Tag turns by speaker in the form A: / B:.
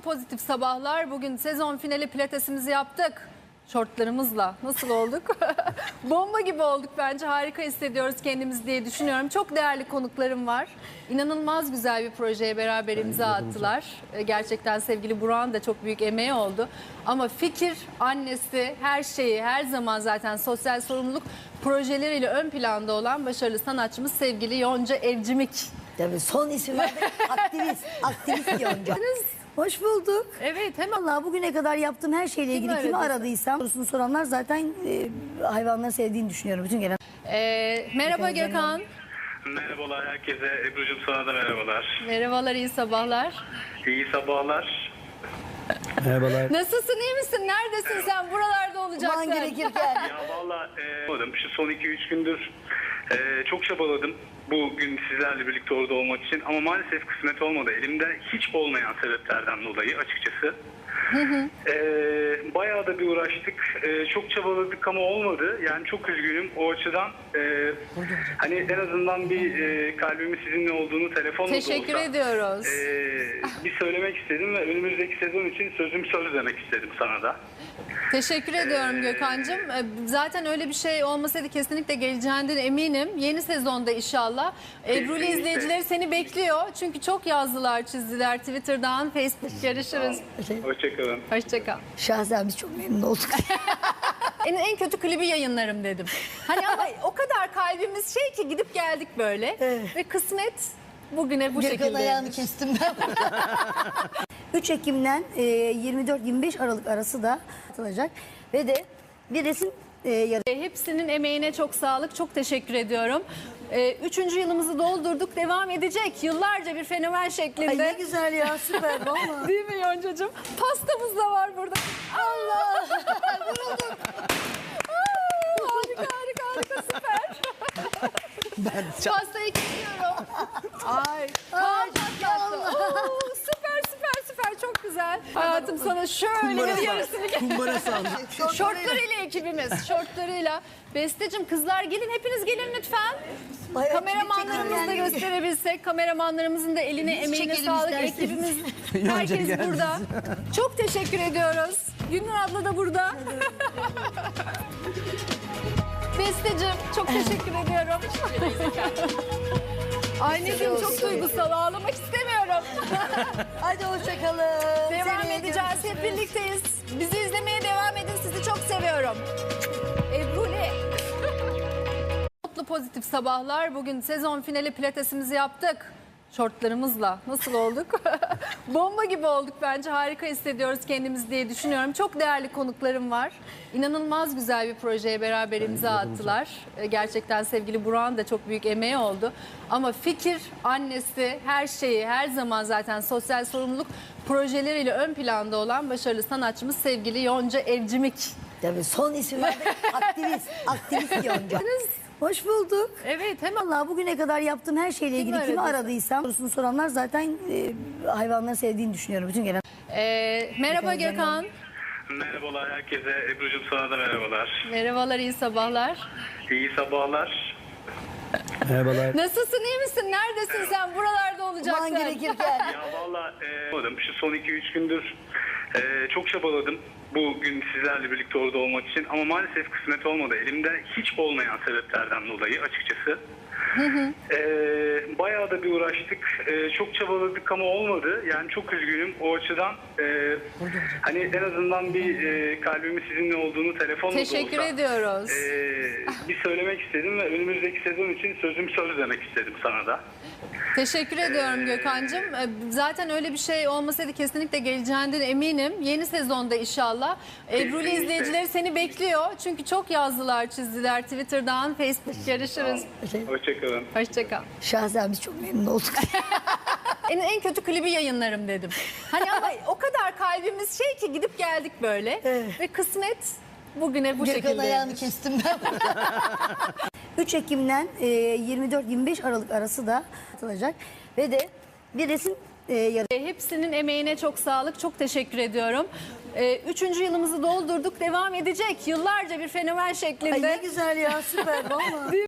A: Pozitif sabahlar. Bugün sezon finali pilatesimizi yaptık. Şortlarımızla. Nasıl olduk? Bomba gibi olduk bence. Harika hissediyoruz kendimizi diye düşünüyorum. Çok değerli konuklarım var. İnanılmaz güzel bir projeye beraber imza attılar. Gerçekten sevgili Burak'ın da çok büyük emeği oldu. Ama fikir, annesi, her şeyi, her zaman zaten sosyal sorumluluk projeleriyle ön planda olan başarılı sanatçımız sevgili Yonca Evcimik.
B: Tabii son isim verdik. Aktivist Yonca. Hoş bulduk.
A: Evet, hemen.
B: Vallahi bugüne kadar yaptığım her şeyle ilgili kimi aradıysam sorusunu soranlar zaten hayvanları sevdiğini düşünüyorum bütün gelen.
A: Merhaba Gökhan.
C: Merhabalar herkese. Ebru'cum sana da merhabalar.
A: Merhabalar, iyi sabahlar.
C: İyi sabahlar.
D: Merhabalar.
A: Nasılsın, iyi misin? Neredesin sen? Buralarda olacaksın.
B: Aman gerekirken.
C: Ya valla şu son 2-3 gündür çok çabaladım bugün sizlerle birlikte orada olmak için ama maalesef kısmet olmadı. Elimde hiç olmayan sebeplerden dolayı açıkçası. Bayağı da bir uğraştık. Çok çabaladık ama olmadı. Yani çok üzgünüm o açıdan. Hani en azından bir kalbimin sizinle olduğunu telefonla da olsa.
A: Teşekkür ediyoruz.
C: Bir söylemek istedim ve önümüzdeki sezon için sözüm söz demek istedim sana da.
A: Teşekkür ediyorum Gökhan'cığım. Zaten öyle bir şey olmasaydı kesinlikle geleceğinden eminim. Yeni sezonda inşallah. Ebru'lu
C: Kesinlikle.
A: izleyicileri seni bekliyor. Çünkü çok yazdılar, çizdiler Twitter'dan, Facebook. Görüşürüz.
C: Hoşçakalın.
A: Hoşçakal.
B: Şahsen biz çok memnun olduk.
A: En kötü klibi yayınlarım dedim. Hani ama o kadar kalbimiz şey ki gidip geldik böyle.
B: Evet.
A: Ve kısmet bugüne bu
B: Gökhan
A: şekilde.
B: ayağını kestim ben. 3 Ekim'den 24-25 Aralık arası da atılacak. Ve de bir resim
A: Hepsinin emeğine çok sağlık. Çok teşekkür ediyorum. 3. yılımızı doldurduk. Devam edecek. Yıllarca bir fenomen şeklinde.
B: Ay ne güzel ya, süper valla.
A: Değil mi Yoncacığım? Pastamız da var burada. Allah!
B: Vurulduk.
A: Harika süper. Pastayı kesiyorum. Ay. Süper çok güzel. Hayatım sana şöyle bir yarısını
D: Kumbara sağlık.
A: Şortlarıyla ekibimiz. Şortlarıyla. Besteciğim, kızlar gelin, hepiniz gelin lütfen.
B: Ay,
A: Kameramanlarımızı da gösterebilsek. Kameramanlarımızın da eline emeğine
B: çekelim
A: sağlık.
B: isterseniz.
A: Ekibimiz
D: Yonca
A: herkes
D: geldi.
A: burada. Çok teşekkür ediyoruz. Gülnur abla da burada. Besteciğim çok teşekkür ediyorum. Anneciğim çok duygusal, ağlamak istemiyorum.
B: Hadi hoşçakalın.
A: Devam edeceğiz, hep birlikteyiz. Bizi izlemeye devam edin, sizi çok seviyorum. Ebru'le. Mutlu pozitif sabahlar. Bugün sezon finali pilatesimizi yaptık. Şortlarımızla. Nasıl olduk? Bomba gibi olduk bence. Harika hissediyoruz kendimizi diye düşünüyorum. Çok değerli konuklarım var. İnanılmaz güzel bir projeye beraber imza attılar. Gerçekten sevgili Burak'ın da çok büyük emeği oldu. Ama fikir, annesi, her şeyi, her zaman zaten sosyal sorumluluk projeleriyle ön planda olan başarılı sanatçımız sevgili Yonca Evcimik.
B: Tabii son isim verdik. Aktivist Yonca. Hoş bulduk.
A: Evet, hemen.
B: Vallahi bugüne kadar yaptığım her şeyle ilgili kimi aradıysam sorusunu soranlar zaten hayvanları sevdiğini düşünüyorum bütün gelen.
A: Merhaba Gökhan.
C: Merhabalar herkese. Ebru'cum sana da merhabalar.
A: Merhabalar, iyi sabahlar.
C: İyi sabahlar.
D: Merhabalar.
A: Nasılsın, iyi misin? Neredesin sen? Buralarda olacaksın.
B: Aman gerekirken.
C: Ya valla şu son 2-3 gündür çok çabaladım bugün sizlerle birlikte orada olmak için ama maalesef kısmet olmadı. Elimde hiç olmayan sebeplerden dolayı açıkçası. Bayağı da bir uğraştık. Çok çabaladık ama olmadı. Yani çok üzgünüm o açıdan. Hani en azından bir kalbimin sizinle olduğunu telefonla da olsa.
A: Teşekkür ediyoruz.
C: Bir söylemek istedim ve önümüzdeki sezon için sözüm söz demek istedim sana da.
A: Teşekkür ediyorum Gökhan'cığım. Zaten öyle bir şey olmasaydı kesinlikle geleceğinden eminim. Yeni sezonda inşallah. Ebru'lu
C: Kesinlikle.
A: izleyicileri seni bekliyor. Çünkü çok yazdılar, çizdiler Twitter'dan, Facebook. Görüşürüz.
C: Hoşçakalın.
A: Hoşçakal.
B: Şahsen biz çok memnun olduk.
A: En kötü klibi yayınlarım dedim. Hani ama o kadar kalbimiz şey ki gidip geldik böyle.
B: Evet.
A: Ve kısmet bugüne bu
B: Gökhan
A: şekilde.
B: ayağını kestim ben. 3 Ekim'den 24-25 Aralık arası da atılacak. Ve de bir resim
A: Hepsinin emeğine çok sağlık. Çok teşekkür ediyorum. 3. yılımızı doldurduk. Devam edecek. Yıllarca bir fenomen şeklinde.
B: Ay ne güzel ya, süper valla.